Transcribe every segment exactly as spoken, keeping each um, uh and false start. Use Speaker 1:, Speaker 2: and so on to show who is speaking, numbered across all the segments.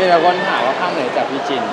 Speaker 1: มีแต่คนถามว่าข้างไหนจับพี่จิน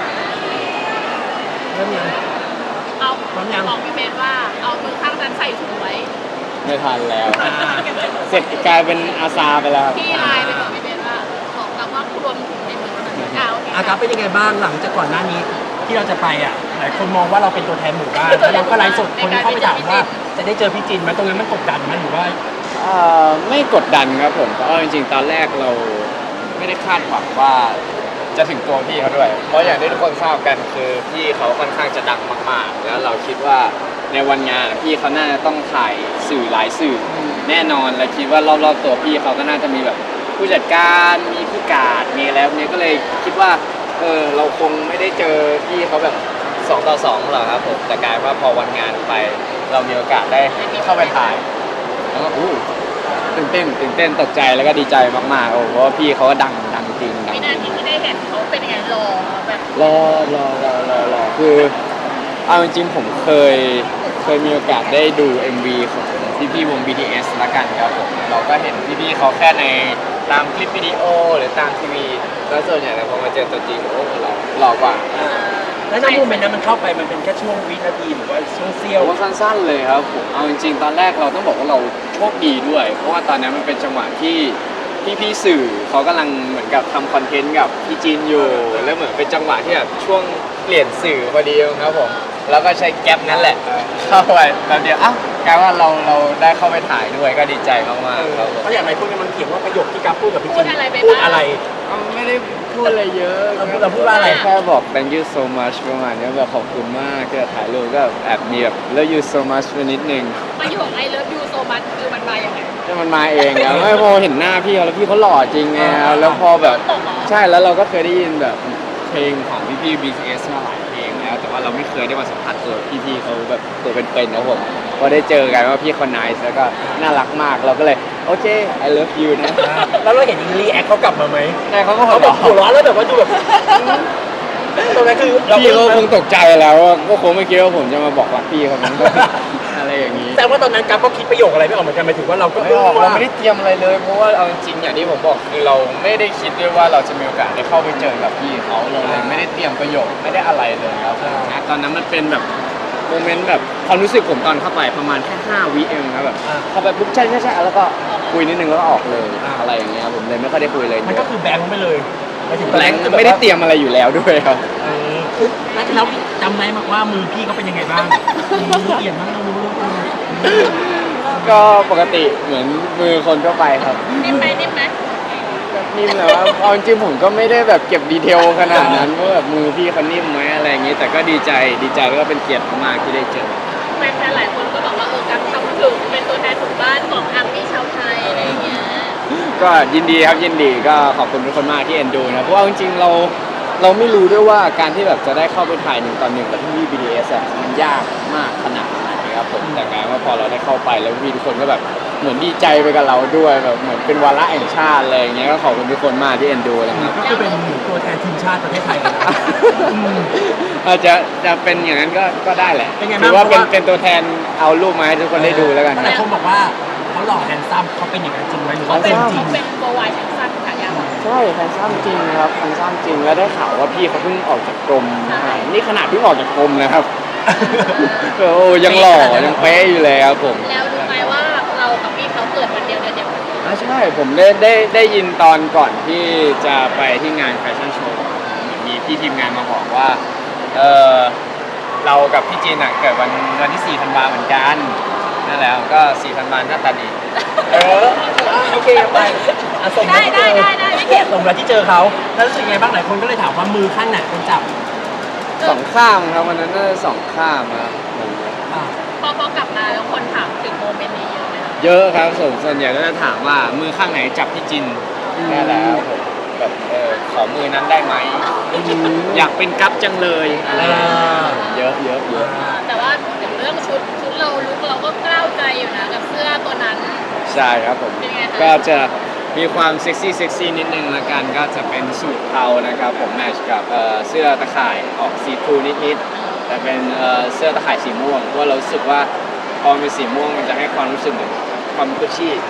Speaker 2: เริ่มยัง
Speaker 3: เอา
Speaker 2: พร้อมยัง
Speaker 3: บอกพี่เบนว่าเอามือข้างนั้นใส่ถุงไว้
Speaker 1: ไม่ทันแล้วเสร็จกลายเป็นอาซาไปแล้ว
Speaker 3: พี่ไลน์ไปบอกพี่เบนว่าบอกกับว่ารวมถุงในมือเท่านั้นอ่าโอเค
Speaker 2: อาการเป็นยังไงบ้างหลังจากก่อนหน้านี้ที่เราจะไปอ่ะหลายคนมองว่าเราเป็นตัวแทนหมู่บ้านแล้วเราก็ไลฟ์สดคนเข้าไปถามว่าจะได้เจอพี่จินไหมตรงนั้นมันกดดันไหมหรือว่า
Speaker 1: เอ่อไม่กดดันครับผมเพราะจริงๆตอนแรกเราไม่ได้คาดหวังว่าจะถึงตัวพี่เขาด้วยเพราะอย่างที่ทุกคนทราบกันคือพี่เขาค่อนข้างจะดังมากๆแล้วเราคิดว่าในวันงานพี่เขาน่าจะต้องถ่ายสื่อหลายสื่อแน่นอนและคิดว่ารอบๆตัวพี่เขาก็น่าจะมีแบบผู้จัดการมีผู้การมีแล้วเนี่ยก็เลยคิดว่าเออเราคงไม่ได้เจอพี่เขาแบบสองต่อสองหรอกครับผมแต่กลายว่าพอวันงานไปเรามีโอกาสได้เข้าไปถ่ายแล้วก็อู้ตื่นเต้นตื่นเต้นตกใจแล้วก็ดีใจมากๆโอ้เพราะว่าพี่เขาก็ดังดังจริงดัง
Speaker 3: วินาทีที่ได้เห็นเขาเป็นยังไงรอแบบ
Speaker 1: รอรอรอรอรอคือเอาจริงๆผมเคยเคยมีโอกาสได้ดู เอ็ม วี ของพี่พี่วง บี ที เอส ละกันครับผมเราก็เห็นพี่พี่เขาแค่ในตามคลิปวิดีโอหรือตามทีวีแล้วส่วนใหญ่แล้วพอมาเจอตัวจริงโอ้หล่อหล่อกว่า
Speaker 2: แล้วในโมเมนต์นั้นมันเข้าไปมันเป็นแค่ช่วงวินาทีหรือว่าช่วงเสี้ยว
Speaker 1: ผมว่าสั้นๆเลยครับผมเอาจริงๆตอนแรกเราต้องบอกว่าเราโชคดีด้วย เพราะว่าตอนนั้นมันเป็นจังหวะที่พี่ๆสื่อเขากำลังเหมือนกับทำคอนเทนต์กับพี่จีนอยู่แล้วเหมือนเป็นจังหวะที่แบบช่วงเปลี่ยนสื่อพอดีครับผมแล้วก็ใช้แก๊ปนั้นแหละเข้าไปแป๊บเดียวอ้าวกลายว่าเราเราได้เข้าไปถ่ายด้วยก็ดีใจมากๆครับผม
Speaker 2: เพราะอย่างไรพวกนี้มันเถียงว่าประโยคที่กัฟพูดกับพี่
Speaker 3: พู
Speaker 2: จิ
Speaker 3: ด
Speaker 2: น
Speaker 3: อะไรไป
Speaker 2: พูด
Speaker 3: บ้าง
Speaker 2: อะไร
Speaker 1: ไม่ได้พูดอะไรเยอะ
Speaker 2: เราพูดเราพูดว่าอะไร
Speaker 1: แค่บอก thank you so much ประมาณนี้แบบขอบคุณมากที่ถ่ายรูปก็แอบมีแบบ love you so much ไปนิดนึง
Speaker 3: ประโยค I love you so much คือมันมาอย่างไง
Speaker 1: แต่มันมาเองอะไม่พอเห็นหน้าพี่เขาแล้วพี่เขาหล่อจริงไงแล้วพอแบบใช่แล้วเราก็เคยได้ยินแบบเพลงของพี่พี่ บี ที เอส มาหลายเพลงแล้วแต่ว่าเราไม่เคยได้มาสัมผัสตัวพี่พี่เขาแบบตัวเป็นๆนะผมพอได้เจอกันว่าพี่เขาไนซ์แล้วก็น่ารักมากเราก็เลยโอเค I love you นะ
Speaker 2: แล้วเราเห็นรีแอคเขากลับมาไหม
Speaker 1: ใช่เขาก็หั
Speaker 2: เขา
Speaker 1: ว
Speaker 2: แบ
Speaker 1: เราะ
Speaker 2: บหัวเราะแล้วแบบว่าดูแบบตรงนั้นคือเรา
Speaker 1: พี่เขาคงตกใจแล้วก็คงไม่คิดว่าผมจะมาบอกรักพี่เขานั้นอะไรอย่างนี้
Speaker 2: แต่ว่าตอนนั้นกัฟก็คิดประโยคอะไรไม่ออกเหมือนกันหมายถึงว่าเราก็
Speaker 1: ไม่ออกเราไม่ได้เตรียมอะไรเลยเพราะว่าเอาจริงๆอย่างที่ผมบอกคือเราไม่ได้คิดด้วยว่าเราจะมีโอกาสได้เข้าไปเจอกับพี่เขาเราเลยไม่ได้เตรียมประโยคไม่ได้อะไรเลยครับนะตอนนั้นมันเป็นแบบโมเมนต์แบบความรู้สึกผมตอนเข้าไปประมาณแค่ห้าวิเองครับแบบเข้าไปปุ๊บใช่ใช่ใช่แล้วก็คุยนิดนึงแล้วก็ออกเลยอะไรอย่างเงี้ยผมเลยไม่ค่อยได้คุยเลย
Speaker 2: มันก็คือแบงค์ไปเลยหมายถึง
Speaker 1: แบงค์ไม่ได้เตรียมอะไรอยู่แล้วด้วยครับ
Speaker 2: เออแล้วจำได้มากว่ามือพี่เขาเป็นยังไงบ้างมือเปลี่ยนบ้างรู้รู้
Speaker 1: ก็ปกติเหมือนมือคนทั่วไปครับ
Speaker 3: นิ่มไหมนิ่มไหม
Speaker 1: นิ่มแหละว่าเอาจริงๆผมก็ไม่ได้แบบเก็บดีเทลขนาดนั้นว่าแบบมือพี่เขานิ่มไหมอะไรอย่างงี้ แต่ก็ดีใจดีใจแล้วก็เป็นเกียรติมากๆที่ได้เจอ
Speaker 3: แฟนๆหลายคนก็บอกว่าเออการทำถึงเป็นตัวแทนของบ้านของอาร์มี่ชาวไทยอะไรอย่างเงี้ย
Speaker 1: ก็ยินดีครับยินดีก็ขอบคุณทุกคนมากที่เอ็นดูนะเพราะว่าจริงๆเราเราไม่รู้ด้วยว่าการที่แบบจะได้เข้าไปถ่ายหนึ่งต่อหนึ่งกับพี่ บี ที เอส อ่ะมันยากมากขนาดไหนครับผมแต่กลายว่าพอเราได้เข้าไปแล้วพี่ทุกคนก็แบบเหมือนดีใจไปกับเราด้วยแบบเหมือนเป็นวาระแห่งชาติอะไรอย่างเงี้ยก็ขอบคุณทุกคนมากที่เอ็นดูนะครับ
Speaker 2: ก็คือเป็นตัวแทนทีมชาติประเทศไทยเลยนะ
Speaker 1: อาจจะจะเป็นอย่างนั้นก็ก็ได้แหละถือว่าเป็นเป็นตัวแทนเอารูปมาให้ทุกคนได้ดูแล้วกัน
Speaker 2: หลายคนบอกว่าเขาหล่อแฮนซัมเขาเป็นอย่างนั้นจริงไหมหรือว่า
Speaker 3: เป็
Speaker 2: เป็น นจริง
Speaker 3: เป็นโบวายชั้นสั้นขายาว
Speaker 1: ใช่แฟนซ้ำจริงครับแฟนซ้ำจริงแล้วได้ข่าวว่าพี่เขาเพิ่งออกจากกรมนี่ขนาดเพิ่งออกจากกรมนะครับโอ้ยังหล่อยังเป๊ะอยู่เลยครับผม
Speaker 3: แล้วรู้ไหมว่าเรากับพี่เขาเกิดวันเดียวเดือนเดียวกัน
Speaker 1: อ่าใช่ผมได้ได้ได้ยินตอนก่อนที่จะไปที่งานแฟชั่นโชว์มีพี่ทีมงานมาบอกว่าเออเรากับพี่จีนอ่ะเกิดวันวันที่สี่ธันวาเหมือนกันนั่นแหละก็สี่ธันวาหน้าตาดี
Speaker 2: เออโอเคไปส่งมาที่เจอส่งมาที่เจอเขาแล้วรู้สึกไงบ้างหลายคนก็เลยถามว่ามือข้างไหนเป็นจับ
Speaker 1: สองข้ามครับวันนั้นน่าจะสองข้ามครับ
Speaker 3: พอพอกลับมาแล้วคนถามถึงโมเมนต์นี้เยอะไหมคะ
Speaker 1: เยอะครับส่วนส่วนใหญ่ก็จะถามว่ามือข้างไหนจับพี่จินแค่แล้วผมแบบเออขอมือนั้นได้ไหมอยากเป็นกั๊บจังเลยอะไรเยอะเยอะเยอะ
Speaker 3: แต่ว่าพูดถึงเรื่องชุดชุดเราลุกเราก็กล้าวใจอยู่นะกับเสื้อตัวนั้น
Speaker 1: ใช่ครับผมก็จะมีความเซ็กซี่เซ็กซี่นิดนึงละกันก็จะเป็นสูทเทานะครับผมแมทช์กับเสื้อตะข่ายออกสีทรูนิดๆแต่เป็นเสื้อตะข่ายสีม่วงเพราะเรารู้สึกว่าพอเป็นสีม่วงมันจะให้ความรู้สึกเหมือนความกุชชี่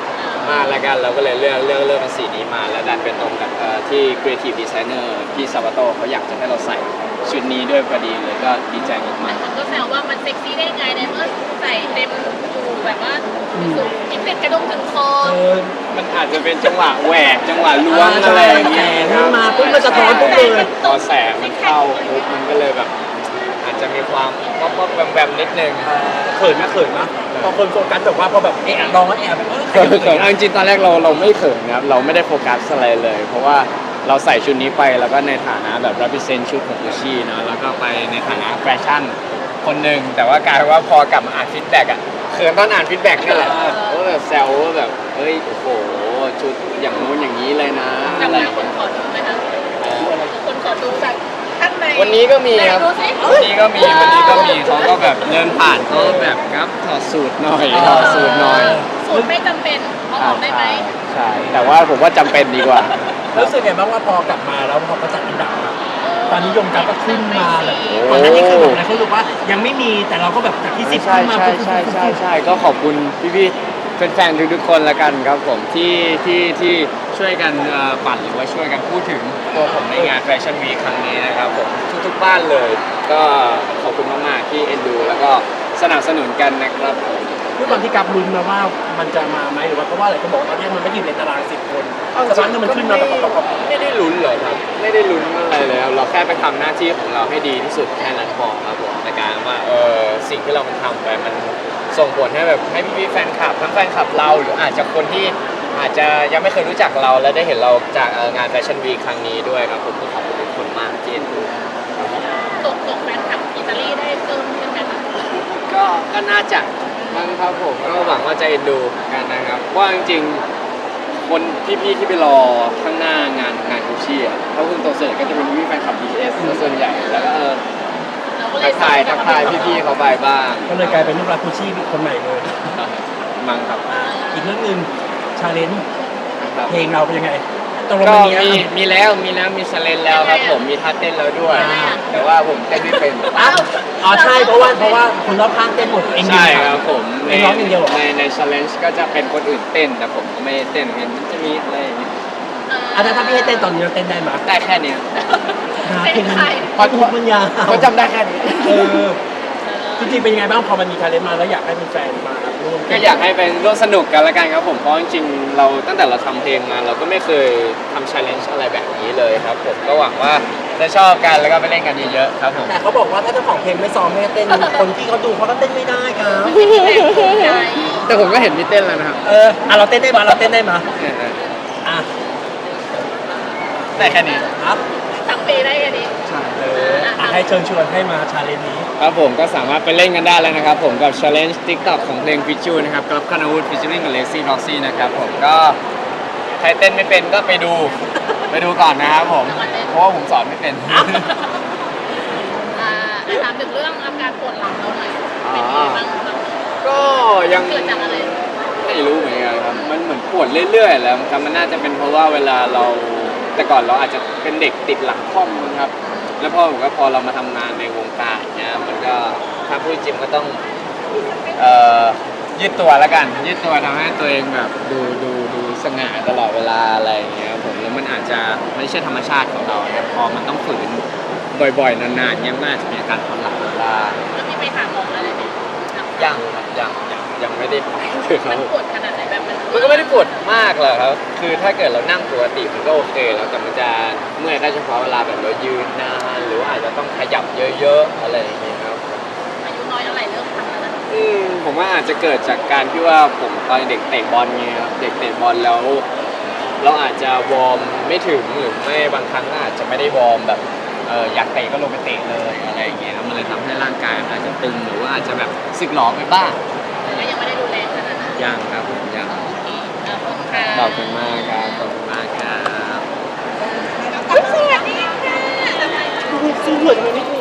Speaker 1: มากแล้วกันเราก็เลยเลือกเลือกเลือกเป็นสีนี้มาแล้วดันเป็นตรงกับเอ่อที่ creative designer พี่ซาวาโตเขาอยากจะให้เราใส่ชุดนี้ด้วยพอดีเลยก็ดีใจ
Speaker 3: หลาม
Speaker 1: าย ก
Speaker 3: คนก็แซวว่ามันเซ็กซี่ได้ไงในเมื่อใส่เต็มอยู่แบบว่าสูงกินเป็ดกระดุมถึงคอ
Speaker 2: เออ
Speaker 1: ๆมันอาจจะเป็นจังหวะแหวกจังหวะล้วงอะไรอย่างเงี้ย
Speaker 2: แสงมาปุ๊บมันสะท้อนปุ๊บเลย
Speaker 1: พอแสงมันเข้าปุ๊บมันก็เลยแบบ อาจจะมีความป๊อปป๊อปแบมแบมนิดนึง
Speaker 2: เขินนะเขินนะพอคนโฟกัสแบบว่าพอแบบเอะลองแล้วแอบแบบเออ
Speaker 1: เขินเขินเอาจริงๆตอนแรกเราเราไม่เขินนะครับเราไม่ได้โฟกัสอะไรเลย เพราะว่าเราใส่ชุดนี้ไปแล้วก็ในฐานะแบบ represent ชุดของกุชชี่เนาะแล้วก็ไปในฐานะแฟชั่นคนหนึ่งแต่ว่ากลายเป็นว่าพอกลับมาอ่านฟีดแบ็กอ่ะเขินตอนอ่านฟีดแบ็กนี่แหละว่าแบบแซวว่าแบบเฮ้ยโอ้โหชุดอย่างนู้นอย่างนี้เลยนะ
Speaker 3: จาก
Speaker 1: อะไร
Speaker 3: นั้นคนขอดูไหมคะคนขอดูจากข้างใน
Speaker 1: วันนี้ก็มีครับ
Speaker 3: ไหนดูสิ
Speaker 1: วันนี้ก็มีวันนี้ก็มีเขาก็แบบเดินผ่านเขาแบบครับถอดสูตรหน่อยถอดสูตรหน่อย
Speaker 3: สูตรไม่จำเป็นเอาออกได้ไหม
Speaker 1: ใช่แต่ว่าผมว่าจำเป็นดีกว่า
Speaker 2: รู้สึกไงบ้างว่าพอกลับมาแล้วพอเขาจัดอันดับอะตอนนี้ยงกราฟก็ขึ้นมาแบบ
Speaker 1: โอ้
Speaker 2: ก่อนหน้านี้คือแบบหลายคนรู้ว่ายังไม่มีแต่เราก็แบบจากที่สิบ
Speaker 1: ใช่
Speaker 2: ขึ้นมา
Speaker 1: ใช่ใช่ใช่ใช่ก็ขอบคุณพี่ๆแฟนๆทุกๆคนละกันครับผมที่ที่ที่ช่วยกันเอ่อปั่นหรือว่าช่วยกันพูดถึงตัวผมในงานแฟชั่นวีครั้งนี้นะครับผมทุกๆบ้านเลย ก็ขอบคุณมากๆที่เอ็นดูแล้วก็สนับสนุนกันนะครับผม
Speaker 2: ด้วยความที่กราฟลุ้นมาว่ามันจะมาไหมหรือว่าเพราะว่าอะไรก็บอกว่าตอนนี้มันไม่ได้อยู่ในตารางสิบคนสักพักหนึงมันขึ้นมาแบบแบบแบบ
Speaker 1: ไม่ได้ลุ้นเหรอครับ ไม่ได้ลุ้นอะไรเลยครับเราแค่ไปทำหน้าที่ของเราให้ดีที่สุดแค่นั้นพอครับผมในการว่าเออสิ่งที่เรามันทำไปมันส่งผลให้แบบให้พี่ๆแฟนคลับทั้งแฟนคลับเราหรืออาจจะคนที่อาจจะยังไม่เคยรู้จักเราและได้เห็นเราจากเอ่องานแฟชั่นวีครั้งนี้ด้วยครับผมก็ขอบคุณทุกคนมากที่เอ็นดู
Speaker 3: ตกตกแฟนคลับอิตาลีได้เพิ่มขึ้นไหมคะ
Speaker 1: ก็ก็น่าจะมั้งครับผมก็หวังว่าจะเอ็นดูกันนะครับว่าจริงๆคนพี่ๆที่ไปรอข้างหน้างานงานกุชชี่อ่ะถ้าคุณโตเสร็จก็จะเป็นพี่ๆแฟนคลับ บี ที เอส ส่วนใหญ่แล้วก็เออ
Speaker 3: เราก็เล
Speaker 1: ทั
Speaker 3: ย
Speaker 1: กทายทักทายพี่ๆเขาไปบ้าง
Speaker 2: ก็เลยกลายเป็นลูกรักคูชี่คนใหม่เลย
Speaker 1: มั้งครับ
Speaker 2: อีกเรื่องหนึ่งชาเลนจ์
Speaker 1: ครับ
Speaker 2: เพลงเราเป็นยังไงตรง
Speaker 1: ก็
Speaker 2: มันมี
Speaker 1: มี
Speaker 2: มี
Speaker 1: มีแล้วมีแล้วมีสเลนแล้วครับผมมีท่าเต้นแล้วด้วย แต่ว่าผมเต้นไม่เป็น
Speaker 2: อ้าวอ๋อใช่เพราะว่าเพราะว่าคนรอบข้างเต้นหมดเองอยู่
Speaker 1: ใช่ครับผม
Speaker 2: เองร้องอย่างเดียวเหรอ
Speaker 1: ในในชาเลนจ์ก็จะเป็นคนอื่นเต้นแต่ผมไม่ได้เต้นเห็นมันจะมีอะไรอย่างเงี้ย
Speaker 2: อ่ะถ้าพี่ให้เต้นตอนนี้เราเต้นได้ไหม
Speaker 1: ได้แค่เนี้ย
Speaker 3: เป็นใคร
Speaker 2: เพราะทุกมันยาว
Speaker 1: เขาจำได้แค่นี้
Speaker 2: เออจริงๆเป็นยังไงบ้างพอมันมีชาเลนจ์มาแล้วอยากให้แฟนๆมาร่วม
Speaker 1: ก็อยากให้เป็นร่วมสนุกกันละกันครับผมเพราะจริงๆเราตั้งแต่เราทำเพลงมาเราก็ไม่เคยทำชาเลนจ์อะไรแบบนี้เลยครับผมก็หวังว่าจะชอบกันแล้วก็ไปเล่นกันเยอะๆครับผม
Speaker 2: แต่เขาบอกว่าถ้าเจ้าของเพลงไม่ซ้อมไม่ให้เต้นคนที่เขาดูเขาก็เต้นไม่ได้ครับ
Speaker 3: ใจ
Speaker 1: แต่ผมก็เห็นมีเต้นแล้วนะครับ
Speaker 2: เอออ่ะเราเต้นได้มาเราเต้นได้มา
Speaker 1: เนี่ย
Speaker 2: อ่ะ
Speaker 1: ๆแต่แค่นี้
Speaker 2: ครับ
Speaker 3: ทั้งปีได้กันดี
Speaker 1: ใช่
Speaker 2: เอออ่ะให้เชิญชวนให้มาชาเลนจ์นี้
Speaker 1: ครับผมก็สามารถไปเล่นกันได้แล้วนะครับผมกับ Challenge TikTok ของเพลง f i c h u นะครับกับคานาวูด featuring กับ Lazy Roxy นะครับผมก็ใครเต้นไม่เป็นก็ไปดู ไปดูก่อนนะครับผม เพราะว่าผมสอนไม่เป็น
Speaker 3: อ่าถามถึงเรื่องอาการปวดหลังเราหน่อยเป็นยังไงบ้างครับ
Speaker 1: ก็ยัง
Speaker 3: เกิดจากอะไร
Speaker 1: ไม่รู้เหมือนกันครับมันเหมือนปวดเรื่อยๆแล้วครับมันน่าจะเป็นเพราะว่าเวลาเราแต่ก่อนเราอาจจะเป็นเด็กติดหลังค่อมครับแล้วพอผมก็พอเรามาทำงานในวงการเนี้ยมันก็ถ้าพูดจริงก็ต้องเอ่อยืดตัวแล้วกัน ยืดตัวทำให้ตัวเองแบบดูดูดูสง่าตลอดเวลาอะไรอย่างเงี้ยครับผมแล้วมันอาจจะไม่ใช่ธรรมชาติของเราเนี่ยพอมันต้องฝืนบ่อยๆนานๆเนี้ยมันอาจจะมีอาการปวดหลังได้
Speaker 3: แล้วมีไปหาหมออะไรไหม
Speaker 1: ยังครับยังยังยังไม่ได้ไปเลยค
Speaker 3: มั
Speaker 1: รับ
Speaker 3: น
Speaker 1: ผม
Speaker 3: ปวดขนาดไหนแบบมัน
Speaker 1: มันก็ไม่ได้ปวดมากหรอกครับ คือถ้าเกิดเรานั่งปกติมันก็โอเคแล้วแต่มันจะเมื่อยก็เฉพาะเวลาแบบเรายืนนานหรือว่าอาจจะต้องขยับเยอะๆอะไรอย่างเงี้ยครับ
Speaker 3: อายุน้อยเท่าไหร่เริ่มทำแล้วนะ
Speaker 1: อืมผมว่าอาจจะเกิดจากการที่ว่าผมตอนเด็กเตะบอลไงครับเด็กเตะบอลแล้ว เราอาจจะวอร์มไม่ถึงหรือไม่บางครั้งก็อาจจะไม่ได้วอร์มแบบเอออยากเตะก็ลงไปเตะเลยอะไรอย่างเงี้ยมันเลยทำให้ร่างกายอาจจะตึงหรือว่าอาจจะแบบสึกหรอไปบ้าง
Speaker 3: ก็ยังไม่ได้ดูแลขนาดนั้น
Speaker 1: ยังครับผมยัง
Speaker 3: โอเคขอบคุณค่ะ
Speaker 1: ขอบคุณมากครับขอบคุณมากครับ
Speaker 3: สวัสดีค่ะ
Speaker 2: สู้เหมือนกันนิด